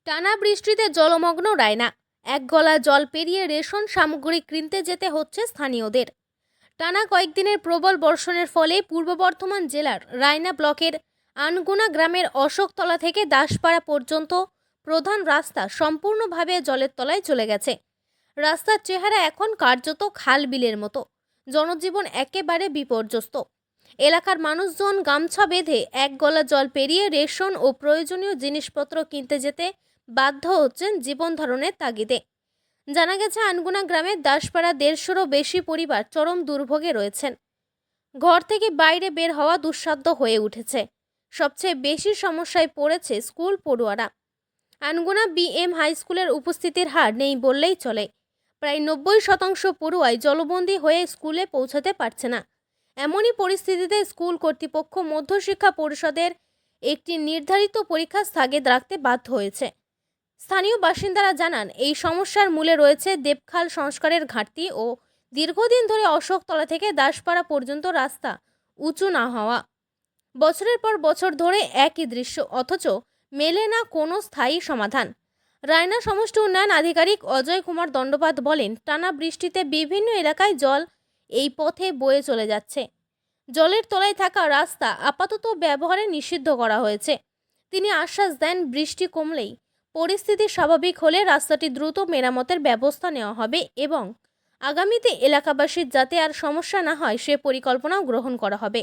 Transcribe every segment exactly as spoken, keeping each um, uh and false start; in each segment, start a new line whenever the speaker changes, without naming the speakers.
টানা বৃষ্টিতে জলমগ্ন রায়না। এক গলা জল পেরিয়ে রেশন সামগ্রী কিনতে যেতে হচ্ছে স্থানীয়দের। টানা কয়েকদিনের প্রবল বর্ষণের ফলে পূর্ব বর্ধমান জেলার রায়না ব্লকের আনগুনা গ্রামের অশোকতলা থেকে দাসপাড়া পর্যন্ত প্রধান রাস্তা সম্পূর্ণভাবে জলের তলায় চলে গেছে। রাস্তার চেহারা এখন কার্যত খাল বিলের মতো। জনজীবন একেবারে বিপর্যস্ত। এলাকার মানুষজন গামছা বেঁধে এক গলা জল পেরিয়ে রেশন ও প্রয়োজনীয় জিনিসপত্র কিনতে যেতে বাধ্য হচ্ছেন জীবন ধারণের তাগিদে। জানা গেছে, আনগুনা গ্রামের দাসপাড়া দেড়শোরও বেশি পরিবার চরম দুর্ভোগে রয়েছেন। ঘর থেকে বাইরে বের হওয়া দুঃসাধ্য হয়ে উঠেছে। সবচেয়ে বেশি সমস্যায় পড়েছে স্কুল পড়ুয়ারা। আনগুনা বি এম হাই স্কুলের উপস্থিতির হার নেই বললেই চলে। প্রায় নব্বই শতাংশ পড়ুয়াই জলবন্দী হয়ে স্কুলে পৌঁছাতে পারছে না। এমনই পরিস্থিতিতে স্কুল কর্তৃপক্ষ মধ্যশিক্ষা পরিষদের একটি নির্ধারিত পরীক্ষা স্থগিত রাখতে বাধ্য হয়েছে। স্থানীয় বাসিন্দারা জানান, এই সমস্যার মূলে রয়েছে দেবখাল সংস্কারের ঘাটতি ও দীর্ঘদিন ধরে অশোকতলা থেকে দাসপাড়া পর্যন্ত রাস্তা উঁচু না হওয়া। বছরের পর বছর ধরে একই দৃশ্য, অথচ মেলে না কোনো স্থায়ী সমাধান। রায়না সমষ্টি উন্নয়ন আধিকারিক অজয় কুমার দণ্ডপাত বলেন, টানা বৃষ্টিতে বিভিন্ন এলাকায় জল এই পথে বয়ে চলে যাচ্ছে। জলের তলায় থাকা রাস্তা আপাতত ব্যবহারে নিষিদ্ধ করা হয়েছে। তিনি আশ্বাস দেন, বৃষ্টি কমলেই পরিস্থিতি স্বাভাবিক হলে রাস্তাটি দ্রুত মেরামতের ব্যবস্থা নেওয়া হবে এবং আগামীতে এলাকাবাসীর যাতে আর সমস্যা না হয় সে পরিকল্পনাও গ্রহণ করা হবে।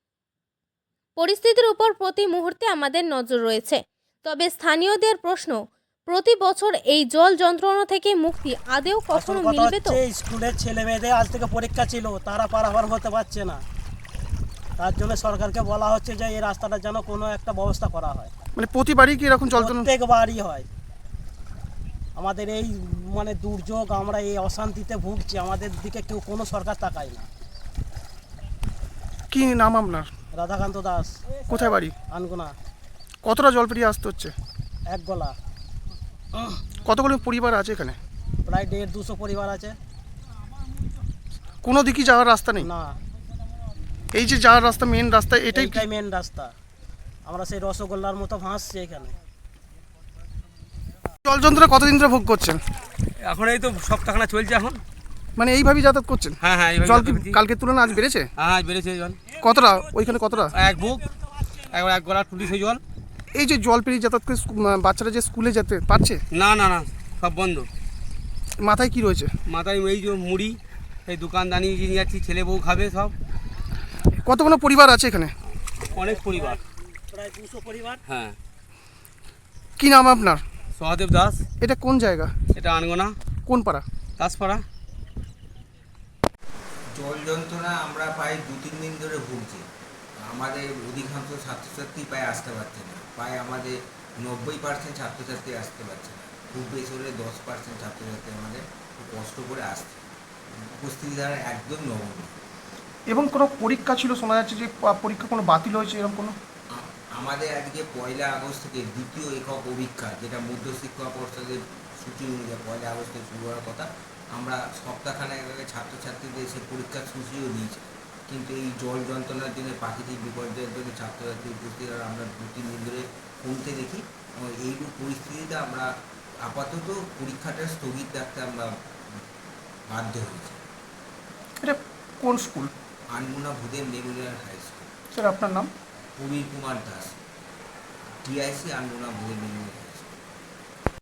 পরিস্থিতির উপর প্রতি মুহূর্তে আমাদের নজর রয়েছে। তবে স্থানীয়দের প্রশ্ন, প্রতি বছর এই জল যন্ত্রণা থেকে মুক্তি আদেও কখনো মিলবে তো?
স্কুলের ছেলে মেয়েদের আজ থেকে পরীক্ষা ছিল, তারা পারাপার হতে পারছে না। তার জন্য সরকারকে বলা হচ্ছে যে এই রাস্তাটার যেন কোনো একটা ব্যবস্থা করা হয়।
মানে প্রতিবারই কি এরকম জল যন্ত্রণা?
প্রত্যেকবারই হয়। আমাদের এই মানে দুর্যোগ, আমরা এই অশান্তিতে ভুগছি, আমাদের দিকে কেউ কোনো সরকার তাকায় না।
কি নাম আপনার?
রাধাকান্ত দাস।
কোথায় বাড়ি?
আনগুনা।
কতটা জল পেরিয়ে আসতে হচ্ছে?
এক গলা।
কতগুলো পরিবার আছে এখানে?
প্রায় দেড় দুশো পরিবার আছে।
কোনো দিকই যাওয়ার রাস্তা নেই?
না।
এই যে যাওয়ার রাস্তা, মেন রাস্তা, এটাই
এটাই মেন রাস্তা। আমরা সেই রসগোল্লার মতো ভাসছি এখানে।
জল যন্ত্রণা কতদিন ধরে ভোগ করছেন?
এখন এই তো সপ্তাহখানা চলছে এখন।
মানে এইভাবেই যাতায়াত করছেন?
হ্যাঁ হ্যাঁ
জল কি কালকের তুলনায় আজ বেড়েছে?
হ্যাঁ আজ বেড়েছে জল।
কতটা? ওইখানে কতটা?
এক বুক, একবার এক গলা টুটি সেই জল।
এই যে জল পেরিয়ে যাতায়াত করে বাচ্চারা যে স্কুলে যেতে পারছে?
না না না, সব বন্ধ।
মাথায় কি রয়েছে?
মাথায় এই যে মুড়ি, এই দোকানদানি নিয়ে যাচ্ছি, ছেলে বউ খাবে সব।
কতগুলো পরিবার আছে এখানে?
অনেক পরিবার,
প্রায় দুশো পরিবার।
হ্যাঁ।
কি নাম আপনার?
সহদেব দাস।
এটা কোন জায়গা?
এটা আনগোনা।
কোন পাড়া?
দাসপাড়া।
জল যন্ত্রণা আমরা প্রায় দু তিন দিন ধরে ভুগছি। আমাদের অধিকাংশ ছাত্রছাত্রী প্রায় আসতে পারছে না। প্রায় আমাদের নব্বই পার্সেন্ট ছাত্রছাত্রী আসতে পারছে না। খুব বেশি হলে দশ পার্সেন্ট ছাত্রছাত্রী আমাদের খুব কষ্ট করে আসছে। উপস্থিতি দ্বারা একদম নগণ্য।
এবং কোনো পরীক্ষা ছিল, শোনা যাচ্ছে যে পরীক্ষা কোনো বাতিল হয়েছে, এরকম কোনো?
আমাদের আজকে পয়লা আগস্ট থেকে দ্বিতীয় একক অভিক্ষা, যেটা মধ্যশিক্ষা পর্ষদের সূচি অনুযায়ী পয়লা আগস্টে শুরু হওয়ার কথা, আমরা সপ্তাহখানেক আগে ছাত্রছাত্রীদের সে পরীক্ষার সূচিও দিয়েছি। কিন্তু এই জল যন্ত্রণার জন্য, প্রাকৃতিক বিপর্যয়ের জন্য ছাত্রছাত্রী উপস্থিত আমরা দু তিন দিন ধরে কমতে দেখি। এবং এইরূপ পরিস্থিতিতে আমরা আপাতত পরীক্ষাটা স্থগিত রাখতে আমরা বাধ্য হয়েছি।
এটা কোন school?
Anguna Bhudev memorial high school.
Sir আপনার নাম?
Prabir Kumar Das, TIC Anguna Bhudev Memorial.